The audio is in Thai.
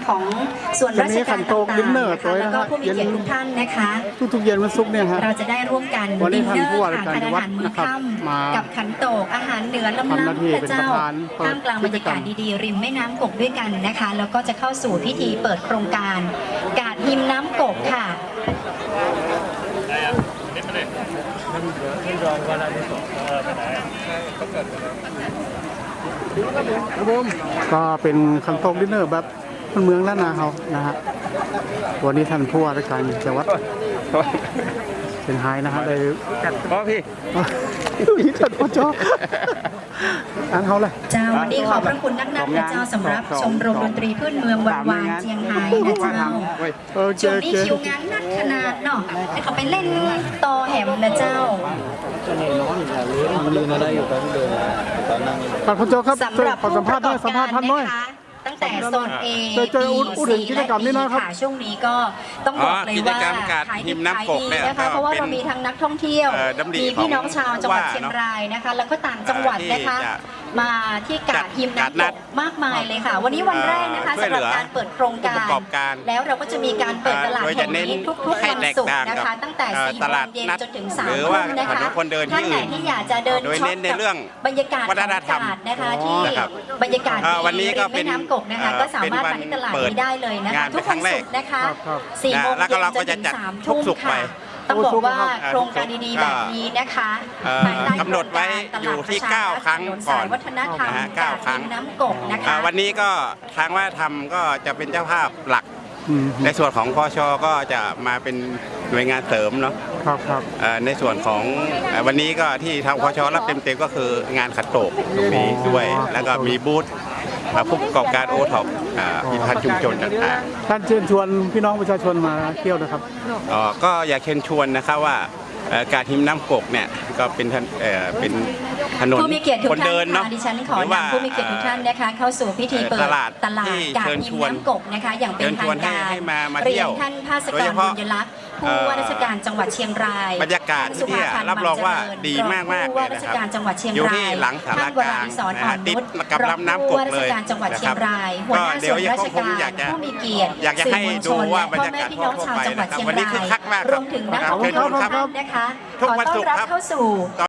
ของส่วนราชการต่างๆนะคะแล้วก็ผู้มีเกียรติทุกท่านนะคะทุกเย็นวันศุกร์เนี่ยฮะเราจะได้ร่วมกันดินเนอร์ค่ะทานอาหารมื้อค่ำกับขันโตกอาหารเหนือล้ำๆพระเจ้าท่ามกลางบรรยากาศดีๆริมแม่น้ำกกด้วยกันนะคะแล้วก็จะเข้าสู่พิธีเปิดโครงการกาดหิมน้ำกกค่ะก็เป็นคันโตกดินเนอร์แบบเมืองล้านนาเขานะฮะวันนี้ท่านผู้ว่าราชการจังหวัดเชียงรายนะฮะได้จัดพ่อพี่นี่จัดพ่อจ้ออันเขาเลยเจ้าวันนี้ขอบพระคุณนักนะเจ้าสำหรับชมรมดนตรีพื้นเมืองวันวานเชียงรายนะเจ้าช่วงนี้คิวงานนักขนาดเนาะให้เขาไปเล่นต่อแหมนะเจ้าพ่อจ้อครับสำหรับผู้ประกอบการสัมภาษณ์ท่านน้อยตั้งแต่โซน A อุดหนุนกิจกรรมนี้นะครับช่วงนี้ก็ต้องบอกเลยว่าขายดิบขายดีนะคะเพราะว่าเรามีทั้งนักท่องเที่ยวมีพี่น้องชาวจังหวัดเชียงรายนะคะแล้วก็ต่างจังหวัดนะคะมาที่กาดหิมน้ำตกมากมายเลยค่ะวันนี้วันแรกนะคะสำหรับการเปิดโครงการแล้วเราก็จะมีการเปิดตลาดแห่งนี้ทุกๆวันศุกร์นะคะตั้งแต่4 โมงเย็นจนถึง3 ทุ่มนะคะท่านไหนที่อยากจะเดินช็อปกับบรรยากาศของกาดนะคะที่บรรยากาศดีริมแม่น้ำกกนะคะก็สามารถมาที่ตลาดนี้ได้เลยนะคะทุกวันศุกร์นะคะ4 โมงเย็นจนถึง3 ทุ่มค่ะต้องบอกว่าโครงการดีๆแบบนี้นะคะกำหนดไว้อยู่ที่9 ครั้งก่อนวัฒนธรรม9 ครั้งน้ำกกนะคะวันนี้ก็ทางวัฒนธรรมก็จะเป็นเจ้าภาพหลักในส่วนของพชก็จะมาเป็นหน่วยงานเสริมเนาะครับในส่วนของวันนี้ก็ที่ทางพชรับเต็มๆก็คืองานขัดโตกตรงนี้ด้วยแล้วก็มีบูธผู้ประกอบการโอท็อปผลิตภัณฑ์ชุมชนต่างๆท่านเชิญชวนพี่น้องประชาชนมาเที่ยวนะครับก็อยากเชิญชวนนะครับว่าการหิมน้ำกกเนี่ยก็เป็นถนนคนเดินเนาะดิฉันขอนำผู้มีเกียรติทุกท่านนะคะเข้าสู่พิธีเปิดตลาดกาดหิมน้ำกกนะคะอย่างเป็นทางการเรียนท่านภาสกรบุญยลักษณ์ผู้ว่าราชการจังหวัดเชียงรายบรรยากาศที่รับรองว่าดีมากๆผู้ว่าราชการจังหวัดเชียงรายอยู่ที่หลังศาลากลางติดกับลำน้ำกกเลยนะครับก็เดี๋ยวราชการผู้มีเกียรติอยากจะให้ดูว่าบรรยากาศทั่วไปนะครับวันนี้คึกคักมากรวมถึงนักท่องเที่ยวทุกท่านนะคะขอต้อนรับเข้าสู่